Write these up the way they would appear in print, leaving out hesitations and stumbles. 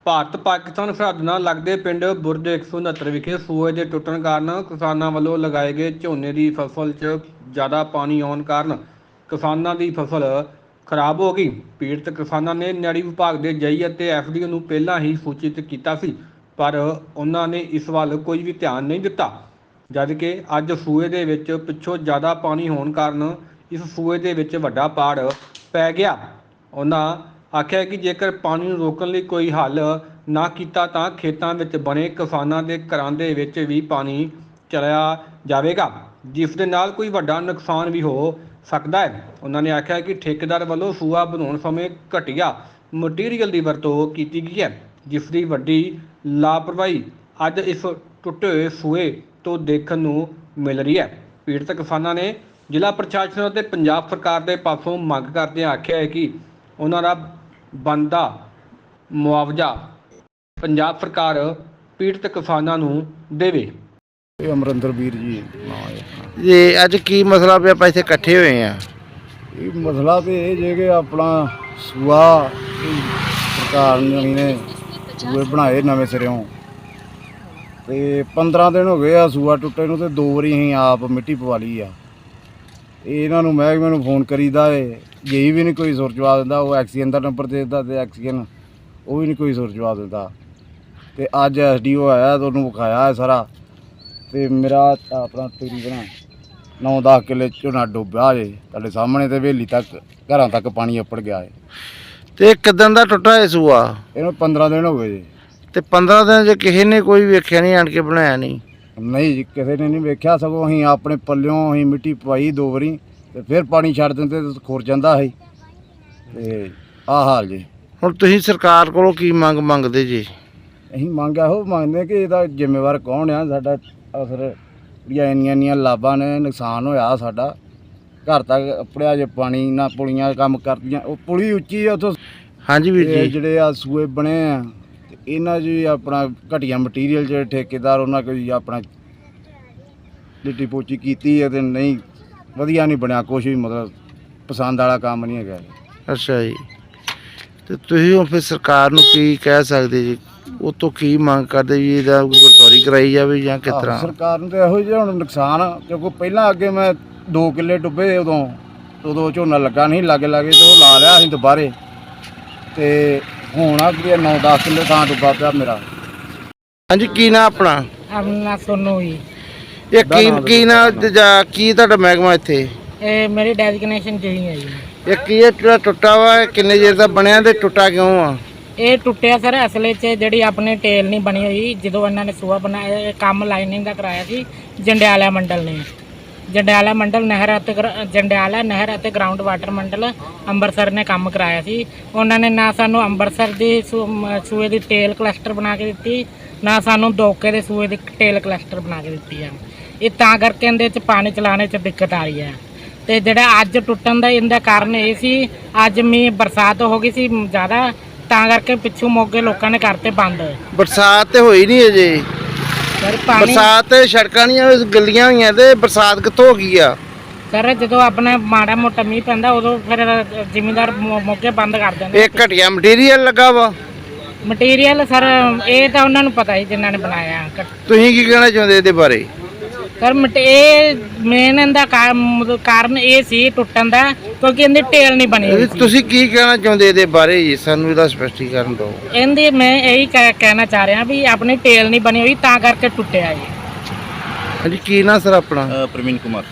ਭਾਰਤ ਪਾਕਿਸਤਾਨ ਸਰਹੱਦ ਨਾਲ ਲੱਗਦੇ ਪਿੰਡ ਬੁਰਜ 169 ਵਿਖੇ ਸੂਏ ਦੇ ਟੁੱਟਣ ਕਾਰਨ ਕਿਸਾਨਾਂ ਵੱਲੋਂ ਲਗਾਏ ਗਏ ਝੋਨੇ ਦੀ ਫਸਲ 'ਚ ਜ਼ਿਆਦਾ ਪਾਣੀ ਆਉਣ ਕਾਰਨ ਕਿਸਾਨਾਂ ਦੀ ਫਸਲ ਖਰਾਬ ਹੋ ਗਈ। ਪੀੜਤ ਕਿਸਾਨਾਂ ਨੇ ਨਿਆੜੀ ਵਿਭਾਗ ਦੇ ਜਈ ਅਤੇ ਐਫਡੀਓ ਨੂੰ ਪਹਿਲਾਂ ਹੀ ਸੂਚਿਤ ਕੀਤਾ ਸੀ, ਪਰ ਉਹਨਾਂ ਨੇ ਇਸ ਵੱਲ ਕੋਈ ਵੀ ਧਿਆਨ ਨਹੀਂ ਦਿੱਤਾ। ਜਦ ਕਿ ਅੱਜ ਸੂਏ ਦੇ ਵਿੱਚ ਪਿੱਛੋਂ ਜ਼ਿਆਦਾ ਪਾਣੀ ਹੋਣ ਕਾਰਨ ਇਸ ਸੂਏ ਦੇ ਵਿੱਚ ਵੱਡਾ ਪਾੜ ਪੈ ਗਿਆ। ਉਹਨਾਂ ਆਖਿਆ ਕਿ ਜੇਕਰ ਪਾਣੀ ਨੂੰ ਰੋਕਣ ਲਈ ਕੋਈ ਹੱਲ ਨਾ ਕੀਤਾ ਤਾਂ ਖੇਤਾਂ ਵਿੱਚ ਬਣੇ ਕਿਸਾਨਾਂ ਦੇ ਘਰਾਂ ਦੇ ਵਿੱਚ ਵੀ ਪਾਣੀ ਚਲਿਆ ਜਾਵੇਗਾ, ਜਿਸ ਦੇ ਨਾਲ ਕੋਈ ਵੱਡਾ ਨੁਕਸਾਨ ਵੀ ਹੋ ਸਕਦਾ ਹੈ। ਉਹਨਾਂ ਨੇ ਆਖਿਆ ਕਿ ਠੇਕੇਦਾਰ ਵੱਲੋਂ ਸੂਆ ਬਣਾਉਣ ਸਮੇਂ ਘਟੀਆ ਮਟੀਰੀਅਲ ਦੀ ਵਰਤੋਂ ਕੀਤੀ ਗਈ ਹੈ, ਜਿਸ ਦੀ ਵੱਡੀ ਲਾਪਰਵਾਹੀ ਅੱਜ ਇਸ ਟੁੱਟੇ ਹੋਏ ਸੂਏ ਤੋਂ ਦੇਖਣ ਨੂੰ ਮਿਲ ਰਹੀ ਹੈ। ਪੀੜਤ ਕਿਸਾਨਾਂ ਨੇ ਜ਼ਿਲ੍ਹਾ ਪ੍ਰਸ਼ਾਸਨ ਅਤੇ ਪੰਜਾਬ ਸਰਕਾਰ ਦੇ ਪਾਸੋਂ ਮੰਗ ਕਰਦਿਆਂ ਆਖਿਆ ਹੈ ਕਿ ਉਹਨਾਂ ਦਾ ਬਣਦਾ ਮੁਆਵਜ਼ਾ ਪੰਜਾਬ ਸਰਕਾਰ ਪੀੜਤ ਕਿਸਾਨਾਂ ਨੂੰ ਦੇਵੇ। ਅਮਰਿੰਦਰ ਵੀਰ ਜੀ ਇਹ ਅੱਜ ਕੀ ਮਸਲਾ ਪਿਆ? ਆਪਾਂ ਇੱਥੇ ਇਕੱਠੇ ਹੋਏ ਆ। ਇਹ ਮਸਲਾ ਤੇ ਇਹ ਜੇ ਕਿ ਆਪਣਾ ਸੂਆ ਸਰਕਾਰ ਨੇ ਸੂਏ ਬਣਾਏ ਨਵੇਂ ਸਿਰਿਓਂ ਤੇ 15 ਦਿਨ ਹੋ ਗਏ ਆ ਸੂਆ ਟੁੱਟੇ ਨੂੰ, ਤੇ 2 ਵਾਰੀ ਅਸੀਂ ਆਪ ਮਿੱਟੀ ਪਵਾ ਲਈ ਆ। ਇਹਨਾਂ ਨੂੰ ਮਹਿਕਮੇ ਨੂੰ ਫੋਨ ਕਰੀਦਾ ਏ, ਜੇ ਵੀ ਨਹੀਂ ਕੋਈ ਸੁਰ ਜਵਾਬ ਦਿੰਦਾ। ਉਹ ਐਕਸੀਅਨ ਦਾ ਨੰਬਰ ਦੇ ਦਿੰਦਾ ਤੇ ਐਕਸੀਅਨ ਉਹ ਵੀ ਨਹੀਂ ਕੋਈ ਸੁਰ ਜਵਾਬ ਦਿੰਦਾ। ਤੇ ਅੱਜ ਐਸਡੀਓ ਆਇਆ ਤੇ ਉਹਨੂੰ ਵਿਖਾਇਆ ਹੈ ਸਾਰਾ, ਤੇ ਮੇਰਾ ਆਪਣਾ ਤਕਰੀਬਨ 9-10 ਕਿੱਲੇ ਝੋਨਾ ਡੁੱਬਿਆ ਜੇ ਤੁਹਾਡੇ ਸਾਹਮਣੇ, ਤੇ ਹਵੇਲੀ ਤੱਕ ਘਰਾਂ ਤੱਕ ਪਾਣੀ ਅੱਪੜ ਗਿਆ ਹੈ। ਤੇ ਕਿਦਾਂ ਦਾ ਟੁੱਟਾ ਇਹ ਸੂਆ? ਇਹਨੂੰ 15 ਦਿਨ ਹੋ ਗਏ ਜੀ। ਤੇ 15 ਦਿਨ ਜੇ ਕਿਸੇ ਨੇ ਕੋਈ ਵੇਖਿਆ ਨਹੀਂ, ਆਣ ਕੇ ਬਣਾਇਆ ਨਹੀਂ? ਨਹੀਂ ਜੀ, ਕਿਸੇ ਨੇ ਨਹੀਂ ਵੇਖਿਆ। ਸਗੋਂ ਅਸੀਂ ਆਪਣੇ ਪੱਲਿਓਂ ਅਸੀਂ ਮਿੱਟੀ ਪਵਾਈ 2 ਵਾਰੀ, ਤੇ ਫਿਰ ਪਾਣੀ ਛੱਡ ਦਿੰਦੇ ਤੇ ਖੁਰ ਜਾਂਦਾ ਸੀ। ਤੇ ਆਹ ਹਾਲ ਜੀ। ਹੁਣ ਤੁਸੀਂ ਸਰਕਾਰ ਕੋਲੋਂ ਕੀ ਮੰਗਦੇ ਜੀ? ਅਸੀਂ ਮੰਗ ਇਹੋ ਮੰਗਦੇ ਕਿ ਇਹਦਾ ਜ਼ਿੰਮੇਵਾਰ ਕੌਣ ਆ। ਸਾਡਾ ਅਸਰ ਜਿਹੜੀਆਂ ਇੰਨੀਆਂ ਲਾਭਾਂ ਨੇ, ਨੁਕਸਾਨ ਹੋਇਆ ਸਾਡਾ। ਘਰ ਤੱਕ ਅੱਪੜਿਆ ਜੇ ਪਾਣੀ ਨਾ, ਪੁਲੀਆਂ ਕੰਮ ਕਰਦੀਆਂ। ਉਹ ਪੁਲੀ ਉੱਚੀ ਆ ਉੱਥੋਂ। ਹਾਂਜੀ ਵੀਰ ਜੀ। ਜਿਹੜੇ ਆ ਸੂਏ ਬਣੇ ਆ ਤੇ ਇਹਨਾਂ 'ਚ ਵੀ ਆਪਣਾ ਘਟੀਆ ਮਟੀਰੀਅਲ ਜਿਹੜੇ ਠੇਕੇਦਾਰ ਉਹਨਾਂ ਕੋਈ ਆਪਣਾ ਲਿੱਟੀ ਪੋਚੀ ਕੀਤੀ ਹੈ, ਤੇ ਨਹੀਂ ਵਧੀਆ ਨਹੀਂ ਬਣਿਆ ਕੁਛ ਵੀ, ਮਤਲਬ ਪਸੰਦ ਵਾਲਾ ਕੰਮ ਨਹੀਂ ਹੈਗਾ। ਅੱਛਾ ਜੀ। ਤੇ ਤੁਸੀਂ ਹੁਣ ਫਿਰ ਸਰਕਾਰ ਨੂੰ ਕੀ ਕਹਿ ਸਕਦੇ ਜੀ? ਉਹ ਤੋਂ ਕੀ ਮੰਗ ਕਰਦੇ ਜੀ? ਇਹਦਾ ਗੁਰਦੌਰੀ ਕਰਾਈ ਜਾਵੇ ਜਾਂ ਕਿਸ ਤਰ੍ਹਾਂ? ਸਰਕਾਰ ਨੂੰ ਤਾਂ ਇਹੋ ਜਿਹਾ ਹੁਣ ਨੁਕਸਾਨ, ਕਿਉਂਕਿ ਪਹਿਲਾਂ ਅੱਗੇ ਮੈਂ 2 ਕਿੱਲੇ ਡੁੱਬੇ, ਉਦੋਂ ਝੋਨਾ ਲੱਗਾ ਨਹੀਂ ਲਾਗੇ ਤੇ ਉਹ ਲਾ ਲਿਆ ਅਸੀਂ ਦੁਬਾਰੇ। ਤੇ ਹੁਣ ਆ ਕਿ 9-10 ਕਿੱਲੇ ਥਾਂ ਡੁੱਬਾ ਪਿਆ ਮੇਰਾ। ਹਾਂਜੀ, ਕੀ ਨਾਂ ਆਪਣਾ? ਆਪਣਾ ਸੋਨੂ ਜੀ। ਇਹ ਕੀ ਨਾਂ ਜਾਂ ਕੀ ਤੁਹਾਡਾ ਮਹਿਕਮਾ ਇੱਥੇ? ਇਹ ਮੇਰੀ ਡੈਜ਼ਿਗਨੇਸ਼ਨ ਜਿਹੀ ਹੈ ਜੀ। ਇਹ ਕੀ ਇਹ ਜਿਹੜਾ ਟੁੱਟਾ ਵਾ, ਇਹ ਕਿੰਨੇ ਚਿਰ ਦਾ ਬਣਿਆ ਤੇ ਟੁੱਟਾ ਕਿਉਂ ਆ? ਇਹ ਟੁੱਟਿਆ ਸਰ ਅਸਲੇ 'ਚ ਜਿਹੜੀ ਆਪਣੀ ਟੇਲ ਨਹੀਂ ਬਣੀ ਹੋਈ। ਜਦੋਂ ਇਹਨਾਂ ਨੇ ਸੂਆ ਬਣਾਇਆ, ਇਹ ਕੰਮ ਲਾਈਨਿੰਗ ਦਾ ਕਰਾਇਆ ਸੀ ਜੰਡਿਆਲਾ ਮੰਡਲ ਨੇ। ਜੰਡਿਆਲਾ ਮੰਡਲ ਜੰਡਿਆਲਾ ਨਹਿਰ ਅਤੇ ਗਰਾਊਂਡ ਵਾਟਰ ਮੰਡਲ ਅੰਮ੍ਰਿਤਸਰ ਨੇ ਕੰਮ ਕਰਾਇਆ ਸੀ। ਉਹਨਾਂ ਨੇ ਨਾ ਸਾਨੂੰ ਅੰਮ੍ਰਿਤਸਰ ਦੀ ਸੂਏ ਦੀ ਟੇਲ ਕਲਸਟਰ ਬਣਾ ਕੇ ਦਿੱਤੀ, ਨਾ ਸਾਨੂੰ ਦੋਕੇ ਦੇ ਸੂਏ ਦੀ ਟੇਲ ਕਲਸਟਰ ਬਣਾ ਕੇ ਦਿੱਤੀ ਹੈ। ਇਹ ਤਾਂ ਕਰਕੇ ਇਹਦੇ 'ਚ ਪਾਣੀ ਚਲਾਉਣੇ 'ਚ ਦਿੱਕਤ ਆ ਰਹੀ ਹੈ। ਤੇ ਜਿਹੜਾ ਅੱਜ ਟੁੱਟਣ ਦਾ ਇਹਦਾ ਕਾਰਨ ਇਹ ਸੀ, ਅੱਜ ਮੀਂਹ ਬਰਸਾਤ ਹੋ ਗਈ ਸੀ ਜ਼ਿਆਦਾ, ਤਾਂ ਕਰਕੇ ਪਿੱਛੋਂ ਮੋਗੇ ਲੋਕਾਂ ਨੇ ਕਰਤੇ ਬੰਦ। ਬਰਸਾਤ ਤੇ ਹੋਈ ਨਹੀਂ ਅਜੇ। ਸਰ ਪਾਣੀ ਬਰਸਾਤ ਤੇ ਸੜਕਾਂ ਦੀਆਂ ਗਲੀਆਂ ਹੋਈਆਂ, ਤੇ ਬਰਸਾਤ ਕਿੱਥੋਂ ਹੋ ਗਈ ਆ? ਸਰ ਜਦੋਂ ਆਪਣਾ ਮਾੜਾ ਮੋਟਾ ਮੀਂਹ ਪੈਂਦਾ ਉਦੋਂ ਫਿਰ ਜ਼ਿਮੀਂਦਾਰ ਮੋਗੇ ਬੰਦ ਕਰ ਦਿੰਦੇ। ਇਹ ਘਟੀਆ ਮਟੀਰੀਅਲ ਲੱਗਾ ਵਾ। ਮਟੀਰੀਅਲ ਸਰ ਇਹ ਤਾਂ ਉਹਨਾਂ ਨੂੰ ਪਤਾ ਹੀ ਜਿਨ੍ਹਾਂ ਨੇ ਬਣਾਇਆ। ਤੁਸੀਂ ਕੀ ਕਹਿਣਾ ਚਾਹੁੰਦੇ ਇਹਦੇ ਬਾਰੇ? ਸਰ ਇਹ ਮੇਨ ਇਹਦਾ ਕਾਰਨ ਇਹ ਸੀ ਟੁੱਟਣ ਦਾ, ਕਿਉਂਕਿ ਇਹਦੀ ਟੇਲ ਨਹੀਂ ਬਣੀ ਹੋਈ ਸੀ। ਤੁਸੀਂ ਕੀ ਕਹਿਣਾ ਚਾਹੁੰਦੇ ਇਹਦੇ ਬਾਰੇ ਜੀ? ਸਾਨੂੰ ਇਹਦਾ ਸਪਸ਼ਟੀਕਰਨ ਦਿਓ। ਇਹਦੀ ਮੈਂ ਇਹੀ ਕਹਿਣਾ ਚਾਹ ਰਿਹਾ ਵੀ ਆਪਣੀ ਟੇਲ ਨਹੀਂ ਬਣੀ ਹੋਈ, ਤਾਂ ਕਰਕੇ ਟੁੱਟਿਆ ਜੀ। ਹਾਂਜੀ, ਕੀ ਨਾਂ ਸਰ ਆਪਣਾ? ਪ੍ਰਵੀਨ ਕੁਮਾਰ,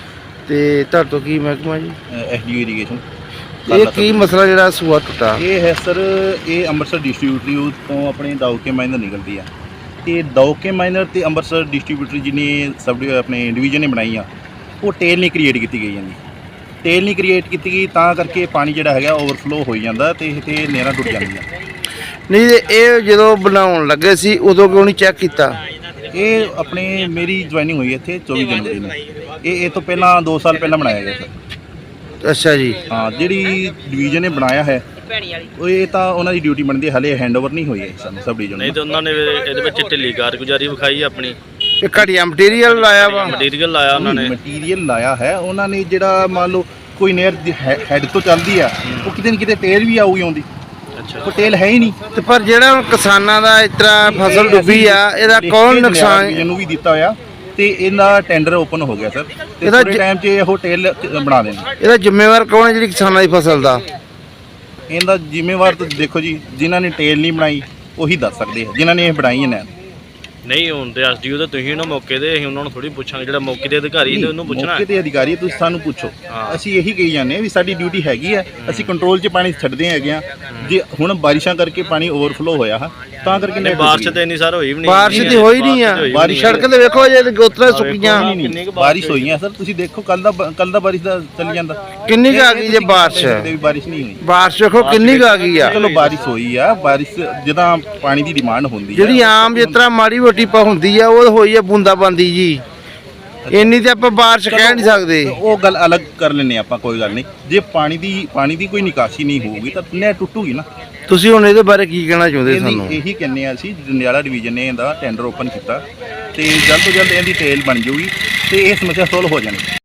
ਤੇ ਤੁਹਾਡੇ ਤੋਂ ਕੀ ਮਹਿਕਮਾ ਜੀ? SDO irrigation. ਇਹ ਕੀ ਮਸਲਾ ਜਿਹੜਾ ਸੂਆ ਟੁੱਟਾ? ਇਹ ਹੈ ਸਰ, ਇਹ ਅੰਮ੍ਰਿਤਸਰ ਡਿਸਟ੍ਰੀਬਿਊਟਰੀ ਤੋਂ ਆਪਣੇ ਦਾਊਕੇ ਮਾਈਨਰ ਨਿਕਲਦੀ ਆ, ਤੇ ਦਾਊਕੇ ਮਾਈਨਰ ਤੇ ਅੰਮ੍ਰਿਤਸਰ ਡਿਸਟ੍ਰੀਬਿਊਟਰੀ ਜਿਹਨੇ ਆਪਣੇ ਡਿਵੀਜ਼ਨ ਨੇ ਬਣਾਈ ਆ, ਉਹ ਟੇਲ ਨਹੀਂ ਕ੍ਰੀਏਟ ਕੀਤੀ ਗਈ ਜਾਂਦੀ। ਟੇਲ ਨਹੀਂ ਕ੍ਰੀਏਟ ਕੀਤੀ ਗਈ, ਤਾਂ ਕਰਕੇ ਪਾਣੀ ਜਿਹੜਾ ਹੈਗਾ ਓਵਰਫਲੋ ਹੋਈ ਜਾਂਦਾ ਤੇ ਨਹਿਰਾਂ ਟੁੱਟ ਜਾਂਦੀਆਂ। ਨਹੀਂ, ਇਹ ਜਦੋਂ ਬਣਾਉਣ ਲੱਗੇ ਸੀ ਉਦੋਂ ਕਿਉਂ ਨਹੀਂ ਚੈੱਕ ਕੀਤਾ? ਇਹ ਆਪਣੇ ਮੇਰੀ ਜੁਆਇਨਿੰਗ ਹੋਈ ਇੱਥੇ 24 ਜਨਵਰੀ ਨੂੰ। ਇਹ ਤੋਂ ਪਹਿਲਾਂ 2 ਸਾਲ ਪਹਿਲਾਂ ਬਣਾਇਆ ਗਿਆ ਸਰ। ਅੱਛਾ ਜੀ। ਹਾਂ, ਜਿਹੜੀ ਡਿਵੀਜ਼ਨ ਨੇ ਬਣਾਇਆ ਹੈ ਉਹ ਇਹ ਤਾਂ ਉਹਨਾਂ ਦੀ ਡਿਊਟੀ ਬਣਦੀ ਹੈ, ਹਲੇ ਹੈਂਡਓਵਰ ਨਹੀਂ ਹੋਈ ਹੈ ਸਾਨੂੰ ਸਬ ਡਿਵੀਜ਼ਨ ਨਹੀਂ, ਤੇ ਉਹਨਾਂ ਨੇ ਇਹਦੇ ਵਿੱਚ ਢਿੱਲੀ ਕਾਰਗੁਜ਼ਾਰੀ ਵਿਖਾਈ ਆਪਣੀ। ਇਹ ਘਟੀਆ ਮਟੀਰੀਅਲ ਲਾਇਆ ਵਾ। ਮਟੀਰੀਅਲ ਲਾਇਆ ਉਹਨਾਂ ਨੇ। ਮਟੀਰੀਅਲ ਲਾਇਆ ਹੈ ਉਹਨਾਂ ਨੇ। ਜਿਹੜਾ ਮੰਨ ਲਓ ਕੋਈ ਨਹਿਰ ਹੈਡ ਤੋਂ ਚੱਲਦੀ ਆ, ਉਹ ਕਿਤੇ ਨਾ ਕਿਤੇ ਟੇਲ ਵੀ ਆਊਗੀ ਆਉਂਦੀ। ਉਹ ਟੇਲ ਹੈ ਹੀ ਨਹੀਂ। ਤੇ ਪਰ ਜਿਹੜਾ ਹੁਣ ਕਿਸਾਨਾਂ ਦਾ ਇਸ ਤਰ੍ਹਾਂ ਫਸਲ ਡੁੱਬੀ ਆ, ਇਹਦਾ ਕੌਣ ਨੁਕਸਾਨ? ਇਹਨੂੰ ਵੀ ਦਿੱਤਾ ਹੋਇਆ ਤੇ ਇਹਦਾ ਟੈਂਡਰ ਓਪਨ ਹੋ ਗਿਆ ਸਰ, ਤੇ ਇਹਦਾ ਥੋੜੇ ਟਾਈਮ 'ਚ ਇਹ ਟੇਲ ਬਣਾ ਦੇਣਾ। ਇਹਦਾ ਜ਼ਿੰਮੇਵਾਰ ਕੌਣ ਹੈ ਜਿਹੜੀ ਕਿਸਾਨਾਂ ਦੀ ਫਸਲ ਦਾ? ਇਹਦਾ ਜ਼ਿੰਮੇਵਾਰ ਤਾਂ ਦੇਖੋ ਜੀ, ਜਿਨ੍ਹਾਂ ਨੇ ਟੇਲ ਨਹੀਂ ਬਣਾਈ ਉਹੀ ਦੱਸ ਸਕਦੇ ਆ, ਜਿਨ੍ਹਾਂ ਨੇ ਇਹ ਬਣਾਈ ਹੈ ਨਹਿਰ। ਨਹੀਂ ਹੁਣ ਤੇ ਐਸਡੀਓ ਤਾਂ ਤੁਸੀਂ ਨਾ ਮੌਕੇ ਦੇ, ਅਸੀਂ ਉਹਨਾਂ ਨੂੰ ਥੋੜੀ ਪੁੱਛਾਂਗੇ, ਜਿਹੜਾ ਮੌਕੇ ਦੇ ਅਧਿਕਾਰੀ ਨੇ ਉਹਨੂੰ ਪੁੱਛਣਾ ਮੌਕੇ ਤੇ ਅਧਿਕਾਰੀ ਤੁਸੀਂ ਸਾਨੂੰ ਪੁੱਛੋ। ਅਸੀਂ ਇਹੀ ਕਹੀ ਜਾਂਦੇ ਹਾਂ ਵੀ ਸਾਡੀ ਡਿਊਟੀ ਹੈਗੀ ਹੈ, ਅਸੀਂ ਕੰਟਰੋਲ 'ਚ ਪਾਣੀ ਛੱਡਦੇ ਹੈਗੇ ਆ। ਜੇ ਹੁਣ ਬਾਰਿਸ਼ਾਂ ਕਰਕੇ ਪਾਣੀ ਓਵਰਫਲੋ ਹੋਇਆ ਹਾ ਤਾਂ ਕਰਕੇ ਨਹੀਂ, ਬਾਰਿਸ਼ ਤੇ ਇੰਨੀ ਸਾਰ ਹੋਈ ਵੀ ਨਹੀਂ। ਬਾਰਿਸ਼ ਤੇ ਹੋਈ ਨਹੀਂ ਆ, ਬਾਰਿਸ਼ ਸੜਕ ਤੇ ਵੇਖੋ ਜੇ ਗੋਤਰਾ ਸੁੱਕੀਆਂ। ਬਾਰਿਸ਼ ਹੋਈ ਹੈ ਸਰ, ਤੁਸੀਂ ਦੇਖੋ ਕੱਲ ਦਾ ਬਾਰਿਸ਼ ਦਾ ਚੱਲੀ ਜਾਂਦਾ। ਕਿੰਨੀ ਕੁ ਆ ਗਈ ਜੇ ਬਾਰਿਸ਼? ਵੀ ਬਾਰਿਸ਼ ਨਹੀਂ ਹੋਈ। ਬਾਰਿਸ਼ ਵੇਖੋ ਕਿੰਨੀ ਕੁ ਆ ਗਈ ਆ। ਚਲੋ ਬਾਰਿਸ਼ ਹੋਈ ਆ, ਬਾਰਿਸ਼ ਜਦੋਂ ਪਾਣੀ ਦੀ ਡਿਮਾਂਡ ਹੁੰਦੀ ਜਿਹੜੀ ਆਮ ਜਿਸ ਤਰ੍ਹਾਂ ਮਾੜੀ ਮੋਟੀ ਪਾ ਹੁੰਦੀ ਆ ਉਹ ਹੋਈ ਆ ਬੂੰਦਾਬਾਂਦੀ ਜੀ, ਇੰਨੀ ਤੇ ਆਪਾਂ ਬਾਰਿਸ਼ ਕਹਿ ਨਹੀਂ ਸਕਦੇ। ਉਹ ਗੱਲ ਅਲੱਗ ਕਰ ਲੈਨੇ ਆਪਾਂ, ਕੋਈ ਗੱਲ ਨਹੀਂ। ਜੇ ਪਾਣੀ ਦੀ ਕੋਈ ਨਿਕਾਸੀ ਨਹੀਂ ਹੋਊਗੀ ਤਾਂ ਨਹਿਰ ਟੁੱਟੂਗੀ ਨਾ। ਤੁਸੀਂ ਹੁਣ ਇਹਦੇ ਬਾਰੇ ਕੀ ਕਹਿਣਾ ਚਾਹੁੰਦੇ ਸਾਨੂੰ? ਇਹੀ ਕਹਿੰਦੇ ਆ ਅਸੀਂ, ਜੰਡਿਆਲਾ ਡਿਵੀਜ਼ਨ ਨੇ ਇਹਦਾ ਟੈਂਡਰ ਓਪਨ ਕੀਤਾ ਤੇ ਜਲਦ ਤੋਂ ਜਲਦ ਇਹਦੀ ਟੇਲ ਬਣ ਜਾਊਗੀ ਤੇ ਇਹ ਸਮੱਸਿਆ ਸੋਲਵ ਹੋ ਜਾਣੀ।